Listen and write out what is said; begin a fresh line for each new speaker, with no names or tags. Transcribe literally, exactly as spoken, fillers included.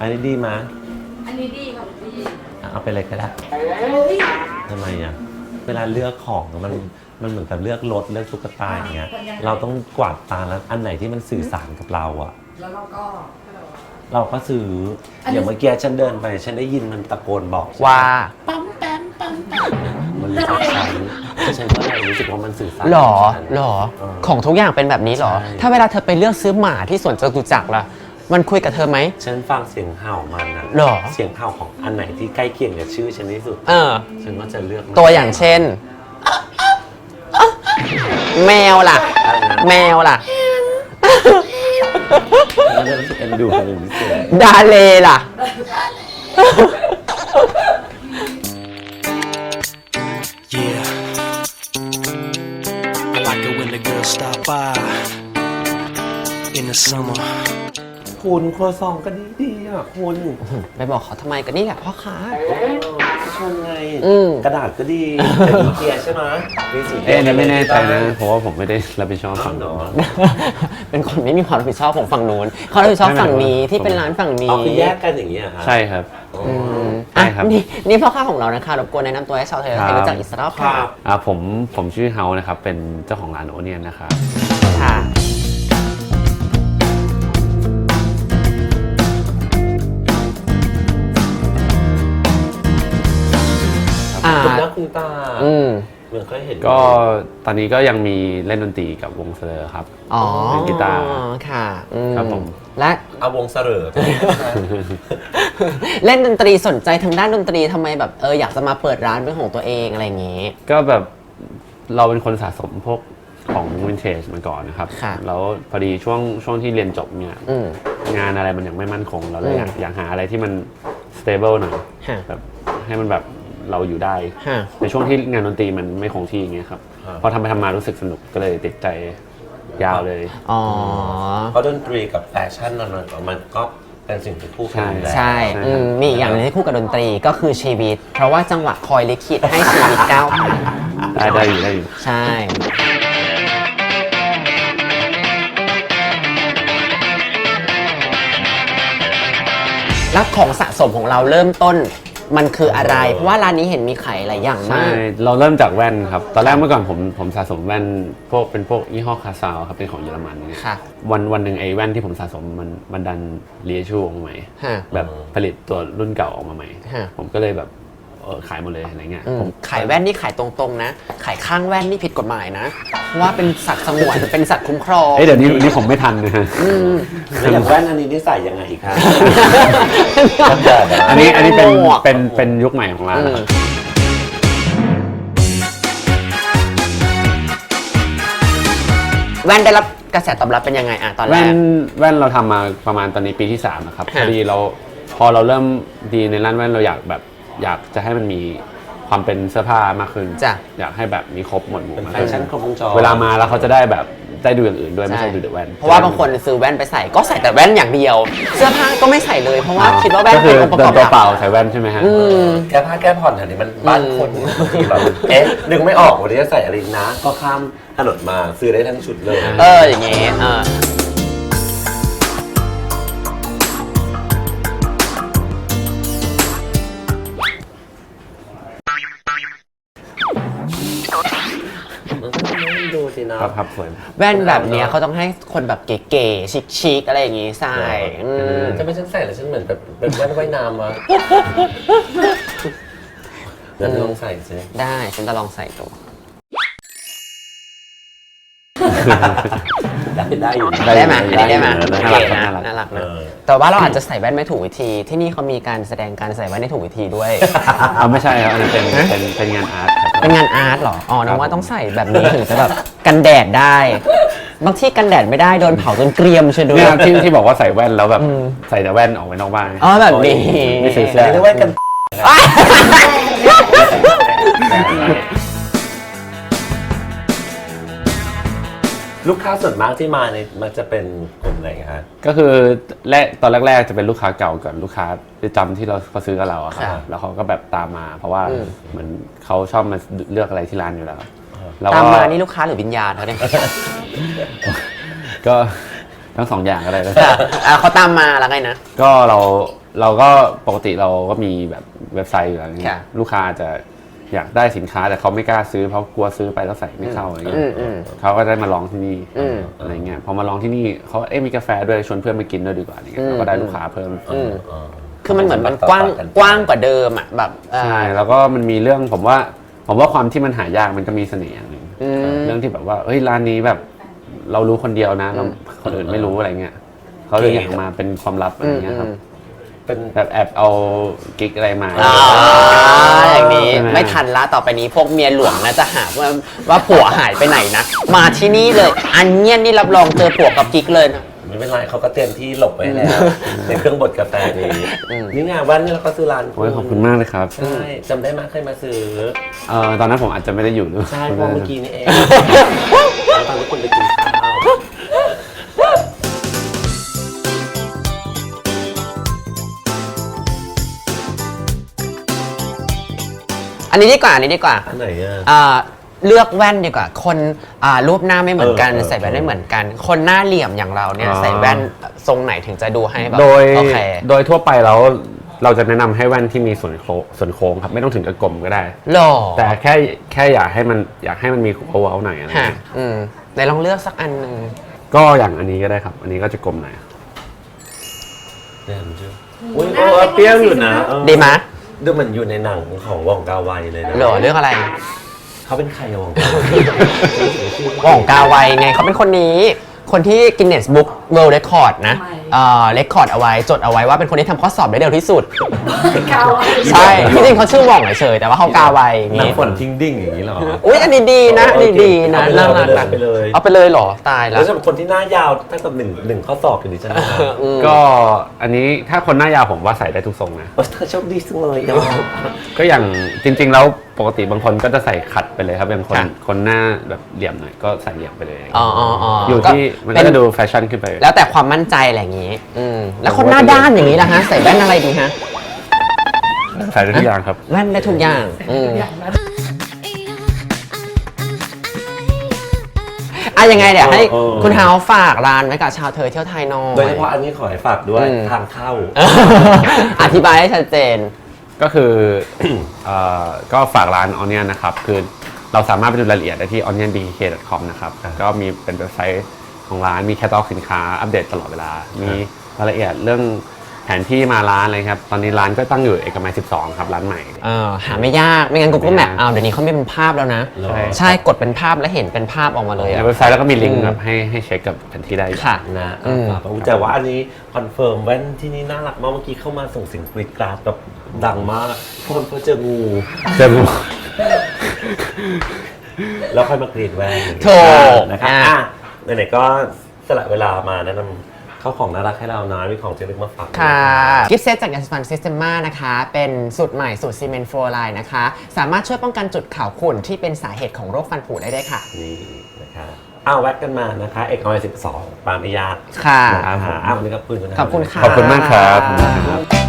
อันนี้ดีมั้ย
อันนี้ดีค่ะดี
เอาไปเลยก็ได้ทำไมอ่ะเวลาเลือกของมันมันเหมือนกับเลือกรถเลือกตุ๊กตาอย่างเงี้ยเราต้องกวาดตาแล้วอันไหนที่มันสื่อสารกับเราอ่ะ
แล้วเราก็
เราก็ซื้ออย่างเมื่อกี้ฉันเดินไปฉันได้ยินมันตะโกนบอก
ว่า
ปั๊มแปมปั๊มแปม
มันรู้จักฉันฉันก็เลยรู้สึกว่ามันสื่อสาร
หรอหรอของทุกอย่างเป็นแบบนี้หรอถ้าเวลาเธอไปเลือกซื้อหมาที่สวนจตุจักรล่ะมันคุยกับเธอไหม
ฉันฟังเสียงเห่ามันนะ
หรอ
เสียงเห่าของอันไหนที่ใกล้เคียงกับชื่อฉันที่สุด
เออ
ฉันก็จะเลือก
ตัวอย่างเช่นแมวล่ะแมวล่ะ
มันจะรู้สึกเอ็นดูเป็นพิเศษ
ดาเลล่ะ
คุณครัวซองก็ดีดีอ่ะคุณ
ไปบอกเขาทำไมกันนี่แหละพ่อค้า
ชมไงกระดาษก็ดีแต่มีเกียร์ใช่ไหมมีสี
เอ๊ะนี่ไม่แน่ใจนะเพราะว่าผมไม่ได้รับผิดชอบฝั่งนู้น
เป็นคนไม่มีความรับผิดชอบของฝั่งนู้นเขารับผิดชอบฝั่งนี้ที่เป็นร้านฝั่งนี้
คือแยกกันอย่างเงี้ย
ใช่ครับ
ใช่ครับนี่นี่พ่อค้าของเรานะคะรบกวนแนะนำตัวให้ชาวไทยให้รู้จักอิสระค่ะ
อ่าผมผมชื่อเฮานะครับเป็นเจ้าของร้านโอเนียนนะครับ
ค่ะ
คุณนักคุณตาเหมือนเคยเห็น
ก็ตอนนี้ก็ยังมีเล่นดนตรีกับวงเสลอครับ
อ๋อ
เล่นกีตาร์
ค่ะ
ครับผม
และ
เอาวงเสลอ
เล่นดนตรีสนใจทางด้านดนตรีทำไมแบบเอออยากจะมาเปิดร้านเป็นของตัวเองอะไรอย่างงี้
ก็แบบเราเป็นคนสะสมพวกของวินเทจมาก่อนนะครับแล้วพอดีช่วงช่วงที่เรียนจบเนี่ยงานอะไรมันยังไม่มั่นคงเราเลยอยากอยากหาอะไรที่มัน stable หน่อยแบบให้มันแบบเราอยู่ได้ในช่วงที่งานดนตรีมันไม่คงที่อย่างเงี้ยครับพอทำไปทำมารู้สึกสนุกก็เลยติดใจยาวเลย
อ๋อ
เพราะดนตรีกับแฟชั่นมันก็เป็นสิ่งที่คู่กัน
ใช่มีอีกอย่างนึงที่คู่กับดนตรีก็คือชีวิตเพราะว่าจังหวะคอยลิขิตให้ชีวิตก้าวผ่าน
ได้ได้อยู่ได้อยู่
ใช่แล้วของสะสมของเราเริ่มต้นมันคืออะไรเพราะว่าร้านนี้เห็นมีขายหลายอย่างมาก
ใช่เราเริ่มจากแว่นครับตอนแรกเมื่อก่อนผมผมสะสมแว่นพวกเป็นพวกยี่ห้อคาซาวครับเป็นของเยอรมันเนี่ยวันวันหนึ่งไอ้แว่นที่ผมสะสมมันมันดันเรียชูออกมาใหม่แบบผลิตตัวรุ่นเก่าออกมาใหม่ผมก็เลยแบบเออขายหมดเลยอะไรเงี้ย
ผมขายแว่นนี่ขายตรงๆนะขายข้างแว่นนี่ผิดกฎหมายนะว่าเป็นสัตว์สงวนเป็นสัตว์คุ้มครอง
เดี๋ยวนี้นี่ผมไม่ทันนะฮะ
แล้วอย่างแว่นอันนี้นี่ใส่ยังไงอีกครับ
อันนี้อันนี้เป็นเป็นเป็นยุคใหม่ของร้าน
แว่นได้รับกระแสตอบรับเป็นยังไงอะตอนแรก
แว่นแว่นเราทำมาประมาณตอนนี้ปีที่สามนะครับพอดีเราพอเราเริ่มดีในร้านแว่นเราอยากแบบอยากจะให้มันมีความเป็นเสื้อผ้ามากขึ้นอยากให้แบบมีครบหมดหมู่
แฟชั่นครบวงจร
เวลามาแล้วเขาจะได้แบบได้ดูอย่างอื่นด้วยไม่ใช่ดูแต่แว่น
เพราะว่าบางคนซื้อแว่นไปใส่ก็ใส่แต่แว่นอย่างเดียวเสื้อผ้าก็ไม่ใส่เลยเพราะว่าคิดว่าแว่นเป็นองค์ประกอบ
เปล่าใส่แว่นใช่ไหมฮะ
แก้ผ้าแก้ผ่อนแถวนี้มันบ้านคนที่แบบเอ๊ะนึกไม่ออกวันนี้จะใส่อะไรนะก็ข้ามถนนมาซื้อได้ทั้งชุดเลย
เอออย่างเงี้ย
ครับ
ครับสวย
แว่นแบบนี้เขาต้องให้คนแบบเก๋ๆชิคๆอะไรอย่างงี้ใส่
จะไม่ฉันใส่แล้วฉันเหมือนแบบเป็นแว่นว่ายน้ำวะเดี๋ยวลองใส่สิ
ได้ฉันจะลองใส่ดู
ได้อยู่
ได้ไหมได้ไหมน่ารักน่ารักนะแต่ว่าเราอาจจะใส่แว่นไม่ถูกวิธีที่นี่เขามีการแสดงการใส่แว่นให้ถูกวิธีด้วย
อ๋อไม่ใช่ครับอันนี้เป็นเป็นเป็นงานอาร์ต
เป็นงานอาร์ตหรออ๋อนึกว่าต้องใส่แบบนี้ถึงจะแบบกันแดดได้บางที่กันแดดไม่ได้โดนเผาจนเกรียมใช่ด้วย
ที่ที่บอกว่าใส่แว่นแล้วแบบใส่แต่แว่นออกไปนอกบ้าน
อ๋อแบบนี้
ไม่ใส่เสื้
อแว่นกันลูกค้าส่วนมากที่มาเนี่ยมันจะเป็นกลุ่มไหนครับ
ก็คือแรกตอนแรกๆจะเป็นลูกค้าเก่าก่อนลูกค้าประจำที่เราเขาซื้อกับเราอะครับแล้วเขาก็แบบตามมาเพราะว่าเหมือนเขาชอบมาเลือกอะไรที่ร้านอยู่แล้ว
ตามมานี่ลูกค้าหรือวิญญาณเขาเนี่ย
ก็ทั้งสองอย่างก็ได้นะ
ค่ะอ่ะเขาตามมาแล้วไงนะ
ก็เราเราก็ปกติเราก็มีแบบเว็บไซต์อยู่แล้วเนี่ย
ค่ะ
ลูกค้าอาจจะอยากได้สินค้าแต่เขาไม่กล้าซื้อเพราะกลัวซื้อไปแล้วใส่ไม่เข้าอะไรเงี้
อื
ย
มอืม
เขาก็ได้มาลองที่นี่
อืม
อะไรเงี้ยพอมาลองที่นี่เขาเอ๊ะมีกาแฟด้วยชวนเพื่อนมากินด้วยดีกว่าอะไรเงี้
อื
ย
ม
เราก็ได้ลูกค้าเพิ่ม
อืม
เออ
คือมันเหมือนมันกว้างกว้างกว่าเดิมอ่ะแบบอ่า
ใช่แล้วก็มันมีเรื่องผมว่าผมว่าความที่มันหายากมันก็มีเสน่ห์อย่างหนึ่ง
อืม
เรื่องที่แบบว่าเฮ้ยร้านนี้แบบเรารู้คนเดียวนะเราคนอื่นไม่รู้อะไรเงี้ยเขาเลยอยากมาเป็นความลับอะไรเงี้ยครับ
เป็น
แบบแอบเอากิ๊กอะไรมา
อ่าอย่างนี้
ใช่ไหม
ไม่ทันละต่อไปนี้พวกเมียหลวงนะจะหาว่าว่าผัวหายไปไหนนะ มาที่นี่เลย อันเนี้ยนี่รับรองเจอผัวกับกิ๊กเลยนะ
ไม่เป็นไรเขาก็เตรียมที่หลบไว้แล้ว ในเครื่องบดกาแฟนี้นี่ไงวันนี้เราก็ซื้อร้าน
โอ้ยขอบคุณมากเลยครับ
ใช่จำได้ไหมเคยมาซื้อ
เอ่อตอนนั้นผมอาจจะไม่ได้อยู่ด้วย
ใช่เพราะเมื่อกี้นี่เองตอนที่คุณไปกินข้าว
อันนี้ดีกว่าอันนี้ดีกว่า
อันไหนอ่ะ
อ่าเลือกแว่นดีกว่า คนอ่ารูปหน้าไม่เหมือนกัน
เออเออ
ใส่แว่นไม่เหมือนกัน คนหน้าเหลี่ยมอย่างเราเนี่ย
อ๋อ
ใส่แว่นทรงไหนถึงจะดูให้แบบ
โดย
โอเค
โดยทั่วไปแล้วเราจะแนะนำให้แว่นที่มีส่วนโค้งส่วนโค้งครับไม่ต้องถึงกับกลมก็ได้
หล่อ
แต่แค่แค่อยากให้มันอยากให้มันมีโอเวอร์หน่อยอะไร
ฮะ
เงี้ย
อืมไหนลองเลือกสักอันหนึ่ง
ก็อย่างอันนี้ก็ได้ครับ อันนี้ก็จะกลมหน่อย
เนี่ยมันชื่ออุ้ยเออเปรี้ยวอยู่นะเออ
ดีไหมย
ดูเหมือนอยู่ในหนังของวองกาไวเลยนะ
หล่อเลือกอะไร
เขาเป็นใครอะวองกาไว
ว่องกาไวไงเขาเป็นคนนี้ คนที่ Guinness Book World Record นะเอ่อ record เอาไว้จดเอาไว้ว่าเป็นคนที่ทำข้อสอบได้เร็วที่สุด
เกา
ใช่ที่จริงเขาชื่อว่องเฉยๆแต่ว่าเขากาไวอย่าง
หนัง
งี้
ฝนทิ้งดิ่งอย่างนี้เหรอ
อุ้ยอันนี้ดีนะอันนี้ดีนะ
เอาไปเลย
น่ารัก
เอาไปเลย
เอาไปเลยเหรอตายแล้
แล้ว วสำหรับคนที่หน้ายาวตั้งแต่หนึ่งหนึ่งข้อสอบอยู่ดิฉันนะ
อืม
ก็อันนี้ถ้าคนหน้ายาวผมว่าใส่ได้ทุกทรงนะ
โอ้เธอโชคดีจังเลยอะ
ก็อย่างจริง ๆ แล้วปกติบางคนก็จะใส่ขัดไปเลยครับเป็นคน
ค่ะ
คนหน้าแบบเหลี่ยมหน่อยก็ใส่เหลี่ยมไปเลย
อ๋ออ๋ออ๋อ
อ
อยู่
ที่มันก็จะดูแฟชั่นขึ้นไป
แล้วแต่ความมั่นใจอะไรอย่างงี้ อืมแล้วคนหน้าด้านอย่างนี้ล่ะฮะใส่แว่นอะไรดีฮะ
ใส่ได้ทุกอย่างครับ
แว่นได้ทุกอย่างอืม
อย่างนั้น
อ่ะยังไงเดี๋ยวให้
เออ
คุณเฮาฝากร้านไว้กับชาวเธอเที่ยวไทยหน่อย
โดยเฉพาะอันนี้ขอให้ฝากด้วย
อืม
ทางเข้า
อธิบายให้ชัดเจน
ก็คือ เอ่อก็ฝากร้าน Onion นะครับ คือเราสามารถไปดูรายละเอียดได้ที่ ออนเนียนบีเค ดอท คอม นะครับ ก็มีเป็นเว็บไซต์ของร้าน มีแคตตาล็อกสินค้าอัปเดตตลอดเวลา มีรายละเอียดเรื่องแผนที่มาร้านอะไรครับ ตอนนี้ร้านก็ตั้งอยู่เอกมัย สิบสอง ครับ ร้านใหม่
เออหาไม่ยาก ไม่งั้น Google Map เอาเดี๋ยวนี้เขาไม่เป็นภาพแล้วนะ
เหรอ
ใช่
ใช่กดเป็นภาพแล้วเห็นเป็นภาพออกมาเลย
ใน
อะ
เว็บไซต์แล้วก็มีลิงก์
อืม
แบบให้ให้เช็คกับแผนที่ได้
ค่ะ
นะ
อืม
ฝากไว้แต่ว่าอันนี้คอนเฟิร์มแว่นที่นี่น่ารักมากเมื่อกี้เข้ามาส่งเสียงกรีดกราดแบบดังมากพอนเพื่อเจองู
เจอหมด
แล้วค่อยมากรีดแว่น
โถ
นะครับ
อ่ะ
อ่ะไหนๆก็สละเวลามาแนะนำเข้าของน่ารักให้เรานะมีของเจลึกมาฝาก
ค่ะกิฟต์เซตจาก Yasman Systema นะคะ เป็นสูตรใหม่สูตรซีเมนต์ฟลูออไรด์นะคะ สามารถช่วยป้องกันจุดขาวขุ่นที่เป็นสาเหตุของโรคฟันผุได้ด้วยค่ะ
นี่นะคะอ้าวแวะกันมานะคะ เอกออยสิบสองปาไม่ยาก
ค่ะ
นะคะอ้าววันนี้ขอบคุณนะ
ขอบคุณค่ะ
ขอบคุณมากครับ